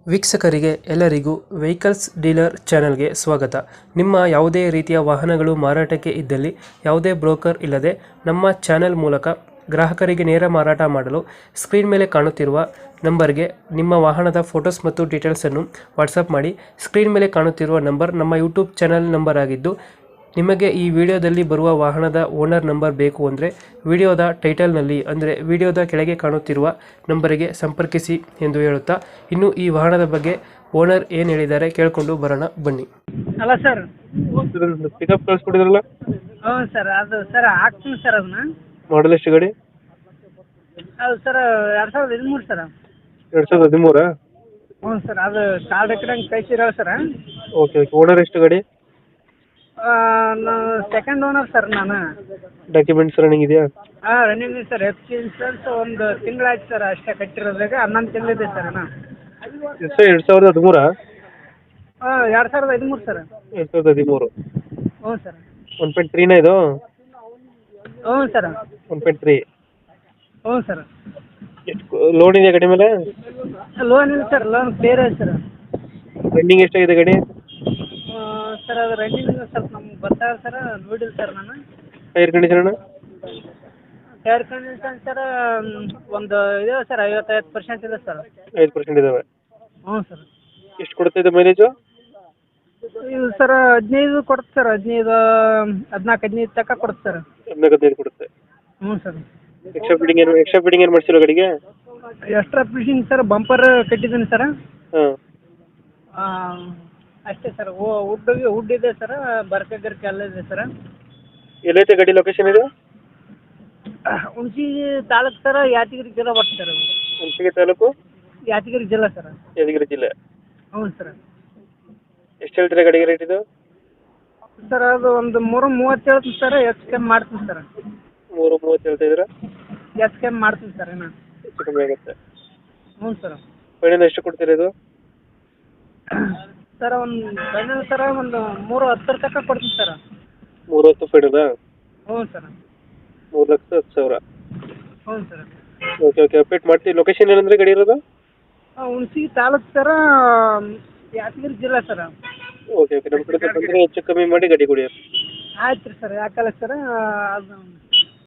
ವೀಕ್ಷಕರಿಗೆ ಎಲ್ಲರಿಗೂ vehicles dealer ಚಾನೆಲ್ಗೆ ಸ್ವಾಗತ. ನಿಮ್ಮ ಯಾವುದೇ ರೀತಿಯ ವಾಹನಗಳು ಮಾರಾಟಕ್ಕೆ ಇದ್ದಲ್ಲಿ ಯಾವುದೇ ಬ್ರೋಕರ್ ಇಲ್ಲದೆ ನಮ್ಮ ಚಾನೆಲ್ ಮೂಲಕ ಗ್ರಾಹಕರಿಗೆ ನೇರ ಮಾರಾಟ ಮಾಡಲು ಸ್ಕ್ರೀನ್ ಮೇಲೆ ಕಾಣುತ್ತಿರುವ ನಂಬರ್ಗೆ ನಿಮ್ಮ ವಾಹನದ ಫೋಟೋಸ್ ಮತ್ತು ಡೀಟೇಲ್ಸನ್ನು ವಾಟ್ಸಪ್ ಮಾಡಿ. ಸ್ಕ್ರೀನ್ ಮೇಲೆ ಕಾಣುತ್ತಿರುವ ನಂಬರ್ ನಮ್ಮ ಯೂಟ್ಯೂಬ್ ಚಾನೆಲ್ ನಂಬರ್ ಆಗಿದ್ದು, ನಿಮಗೆ ಈ ವಿಡಿಯೋದಲ್ಲಿ ಬರುವ ವಾಹನದ ಓನರ್ ನಂಬರ್ ಬೇಕು ಅಂದರೆ ವಿಡಿಯೋದ ಟೈಟಲ್ನಲ್ಲಿ ಅಂದರೆ ವಿಡಿಯೋದ ಕೆಳಗೆ ಕಾಣುತ್ತಿರುವ ನಂಬರಿಗೆ ಸಂಪರ್ಕಿಸಿ ಎಂದು ಹೇಳುತ್ತಾ, ಇನ್ನು ಈ ವಾಹನದ ಬಗ್ಗೆ ಓನರ್ ಏನು ಹೇಳಿದ್ದಾರೆ ಕೇಳಿಕೊಂಡು ಬರೋಣ ಬನ್ನಿ. ಅಲ್ಲ ಸರ್. ಪಿಕಪ್ ಕಳಿಸ್ಕೊಡಿದ್ರಲ್ಲ, ಹ್ಞೂ ಸರ್, ಅದು ಸರ್ ಹಾಕ್ತೀನಿ ಸರ್ ಅದನ್ನ. ಮಾಡಲ್ ಎಷ್ಟು ಗಾಡಿ? ಅದು ಸರ್ 2013 ಸರ್. 2013? ಹ್ಞೂ ಸರ್, ಅದು ಕಾರ್ಡ್ ಹಾಕಿದಂಗೆ ಕಳಿಸಿರಲ್ಲ ಸರ್. Okay okay. ಓನರ್ ಎಷ್ಟು ಗಾಡಿ? ನಾನು ಸೆಕೆಂಡ್ ಓನರ್ ಸರ್ ನಾನು. ಡಾಕ್ಯುಮೆಂಟ್ಸ್ ರನ್ನಿಂಗ್ ಇದೆಯಾ? ಹಾಂ, ರನ್ನಿಂಗ್ ಇದೆ ಸರ್. ಎಫ್ ಸಿ ಇನ್ಸೂರೆನ್ಸ್ ಒಂದು ತಿಂಗಳಾಯ್ತು ಸರ್ ಅಷ್ಟೇ ಕಟ್ಟಿರೋದಾಗ. 11 ತಿಂಗಳಿದೆ ಸರ್ ನಾನು. ಎಷ್ಟು? 2013? ಹಾಂ, 2013 ಸರ್. 2013. ಹ್ಞೂ ಸರ್. 1.3 ಇದು? ಹ್ಞೂ ಸರ್. 1.3. ಹ್ಞೂ ಸರ್. ಲೋನ್ ಇದೆಯಾ ಗಾಡಿ ಮೇಲೆ? ಲೋನ್ ಇಲ್ಲ ಸರ್, ಲೋನ್ ಕ್ಲಿಯರ್ ಇದೆ ಸರ್. ರನ್ನಿಂಗ್ ಎಷ್ಟಾಗಿದೆ ಗಾಡಿ? ಸರ್ ಅದು ರನ್ನಿಂಗ್ ಸ್ವಲ್ಪ ನಮ್ಗೆ ಬರ್ತಾವೆ ಸರ್, ನೋಡಿಲ್ಲ ಸರ್ ನಾನು. Tyre condition? Tyre condition sir ಒಂದು ಇದೆ ಸರ್, 55% ಇದೆ ಸರ್. 5% ಇದಾವೆ. ಹ್ಞೂ ಸರ್. ಎಷ್ಟು ಕೊಡ್ತಾ ಇದೆ ಮೈಲೇಜು? ಇದು ಸರ್ 15 ಕೊಡುತ್ತೆ ಸರ್. 15, 14, 15 ತನಕ ಕೊಡುತ್ತೆ ಸರ್. 14-15 ಕೊಡುತ್ತೆ. ಹ್ಞೂ ಸರ್. ಎಕ್ಸ್ಟ್ರಾ ಫಿಟ್ಟಿಂಗ್ ಏನು ಮಾಡಿಸಿಲ್ಲ ಗಾಡಿಗೆ? ಎಕ್ಸ್ಟ್ರಾ ಫಿಟ್ಟಿಂಗ್ ಸರ್, ಬಂಪರ್ ಕಟ್ಟಿದ್ದೀನಿ ಸರ್. ಹಾಂ. ಅಷ್ಟೇ ಸರ್. ವುಡ್ ಇದೆ ಸರ್, ಬರ್ಕೆ ಗಿರ್ಕೆ ಎಲ್ಲ ಇದೆ ಸರ್. ಎಲ್ಲೈತೆ ಗಾಡಿ ಲೊಕೇಶನ್ ಇದು? ಹುಣಸಿ ತಾಲೂಕು ಸರ್, ಯಾದಗಿರಿ ಜಿಲ್ಲಾ ಬರ್ತದೆ ಸರ್ ಅದು. ಹುಣಸಗಿ ತಾಲೂಕು, ಯಾದಗಿರಿ ಜಿಲ್ಲಾ ಸರ್. ಯಾದಗಿರಿ ಜಿಲ್ಲೆ. ಹ್ಞೂ ಸರ್. ಎಷ್ಟು ಹೇಳ್ತೀರಾ ಗಾಡಿಗೆ ರೇಟ್ ಇದು? ಸರ್ ಅದು ಒಂದು 330 ಹೇಳ್ತೀನಿ ಸರ್, ಹೆಚ್ಚು ಕಮ್ಮಿ ಮಾಡ್ತೀನಿ ಸರ್. 330 ಹೇಳ್ತಾ ಇದ್ದೀರಾ? ಹೆಚ್ಚು ಕಮ್ಮಿ ಮಾಡ್ತೀನಿ ಸರ್ ನಾನು. ಹೆಚ್ಚು ಕಮ್ಮಿ ಆಗುತ್ತೆ. ಹ್ಞೂ ಸರ್. ಫೈನಲ್ ಎಷ್ಟು ಕೊಡ್ತೀರಾ ಇದು? ಸರ್ ಫೈನಲ್ ಸರ್ ಒಂದು 310 ತನಕ ಕೊಡ್ತೀನಿ ಸರ್. 310 ಫೈನಲಾ? ಹ್ಞೂ ಸರ್. 3,10,000. ಹ್ಞೂ ಸರ್. ಓಕೆ ಓಕೆ, ಅಪ್ಡೇಟ್ ಮಾಡ್ತೀವಿ. ಲೊಕೇಶನ್ ಏನಂದ್ರೆ ಗಾಡಿ ಇರೋದು? ಹುಣಸಿ ತಾಲೂಕು ಸರ್, ಯಾದಗಿರಿ ಜಿಲ್ಲಾ ಸರ್. ಓಕೆ ಓಕೆ, ನಮ್ಮ ಕಡೆ ಬಂದರೆ ಹೆಚ್ಚು ಕಮ್ಮಿ ಮಾಡಿ ಗಾಡಿ ಕೊಡಿ. ಆಯ್ತು ರೀ ಸರ್, ಯಾಕಲ್ಲ ಸರ್ ಅದು